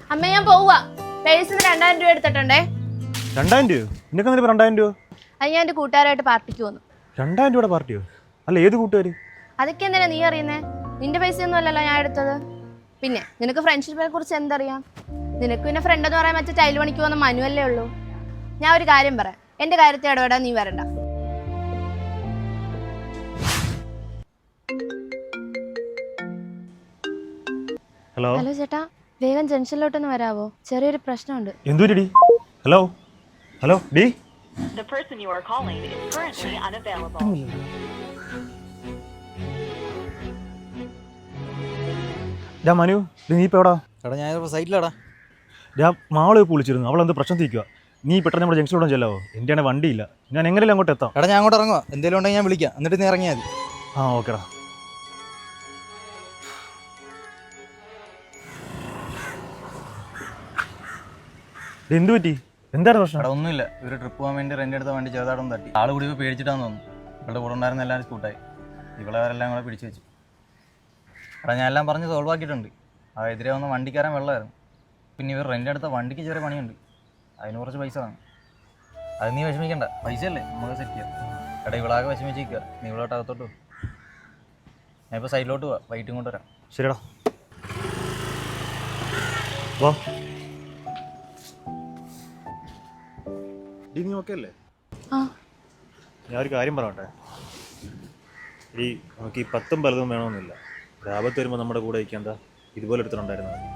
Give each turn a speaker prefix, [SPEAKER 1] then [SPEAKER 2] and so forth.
[SPEAKER 1] അമ്മ ഞാൻ പോവാ. പേഴ്സിന് 2000 രൂപ എടുത്തിട്ടുണ്ടേ.
[SPEAKER 2] 2000 രൂപ? നിനക്ക് 2000 രൂപ?
[SPEAKER 1] അത് ഞാൻ എന്റെ കൂട്ടുകാരായിട്ട് പാർട്ടിക്ക് വന്നു.
[SPEAKER 2] 2000 രൂപയുടെ പാർട്ടിയോ? അല്ല, ഏത് കൂട്ടുകാർ?
[SPEAKER 1] അതൊക്കെ എന്തിനാ നീ അറിയുന്നേ? നിന്റെ പൈസയൊന്നും അല്ലല്ലോ ഞാൻ എടുത്തത്. പിന്നെ നിനക്ക് ഫ്രണ്ട്ഷിപ്പിനെ കുറിച്ച് എന്തറിയാം? നിനക്ക് പിന്നെ ഫ്രണ്ട് എന്ന് പറയാൻ മറ്റേ ടൈൽ പണിക്ക് പോകുന്ന മനുവല്ലേ ഉള്ളൂ. ഞാൻ ഒരു കാര്യം പറയാം, എന്റെ കാര്യത്തിൽ ഇടപെടാൻ നീ വരണ്ട.
[SPEAKER 2] ഹലോ
[SPEAKER 1] ഹലോ ചേട്ടാ, വേഗം ജംഗ്ഷനിലോട്ടൊന്ന് വരാവോ? ചെറിയൊരു പ്രശ്നമുണ്ട്.
[SPEAKER 2] എന്തുപറ്റി? ഹലോ ഹലോ ഡി.
[SPEAKER 3] The person you are calling is currently unavailable.
[SPEAKER 2] Manu, നീ ഇപ്പൊ എവിടാ?
[SPEAKER 4] എടാ ഞാൻ സൈറ്റിലാടാ.
[SPEAKER 2] ഞാൻ മാളെ വിളിച്ചിരുന്നു, അവളെന്ത് പ്രശ്നം തീക്കുക. നീ പെട്ടെന്ന് നമ്മുടെ ജംഗ്ഷനിലോട്ട് ചെല്ലാവോ? എൻ്റെ ആണെങ്കിൽ വണ്ടിയില്ല, ഞാൻ എങ്ങനെയല്ല അങ്ങോട്ട് എത്താം.
[SPEAKER 4] എടാ ഞാൻ അങ്ങോട്ട് ഇറങ്ങുക, എന്തെങ്കിലും ഉണ്ടെങ്കിൽ ഞാൻ വിളിക്കാം, എന്നിട്ട് നീ ഇറങ്ങിയാൽ മതി.
[SPEAKER 2] ആ ഓക്കെടാ. എന്ത് പറ്റി? എന്താണ് പ്രശ്നം?
[SPEAKER 4] എടാ ഒന്നുമില്ല, ഒരു ട്രിപ്പ് പോകാൻ വേണ്ടി റെൻ്റ് എടുത്ത വണ്ടി ചെറുതായിട്ടൊന്നും തട്ടി. ആൾ കൂടി ഇപ്പോൾ പേടിച്ചിട്ടാന്ന് തോന്നുന്നു. ഇവളുടെ കൂടെ ഉണ്ടായിരുന്ന എല്ലാവരും സ്കൂട്ടായി, ഇവളെ അവരെല്ലാം കൂടെ പിടിച്ചു വെച്ചു. എടാ ഞാൻ എല്ലാം പറഞ്ഞ് സോൾവ് ആക്കിയിട്ടുണ്ട്. ആ എതിരെ വന്ന വണ്ടിക്കാരൻ വെള്ളമായിരുന്നു. പിന്നെ ഇവർ റെൻ്റ് എടുത്ത വണ്ടിക്ക് ചെറിയ പണിയുണ്ട്, അതിന് കുറച്ച് പൈസ വേണം. അത് നീ വിഷമിക്കണ്ട, പൈസയല്ലേ നമുക്ക് സെറ്റ് ചെയ്യാം. എടാ ഇവളാകെ വിഷമിച്ചിരിക്കുക, നീ ഇവളോട്ട് അകത്തോട്ട് പോകും. ഞാൻ ഇപ്പോൾ സൈഡിലോട്ട് പോവാം, വൈകിട്ടും കൊണ്ട് വരാം.
[SPEAKER 2] ശരിടാ. വാ. നീ ഓക്കെ അല്ലേ? ഞാൻ ഒരു കാര്യം പറയട്ടെ. ഈ നമുക്ക് ഈ 10 പലതും വേണമെന്നില്ല. ലാഭത്ത് വരുമ്പോൾ നമ്മുടെ കൂടെ ഇരിക്കേണ്ട ഇതുപോലെ എടുത്തിട്ടുണ്ടായിരുന്നത്.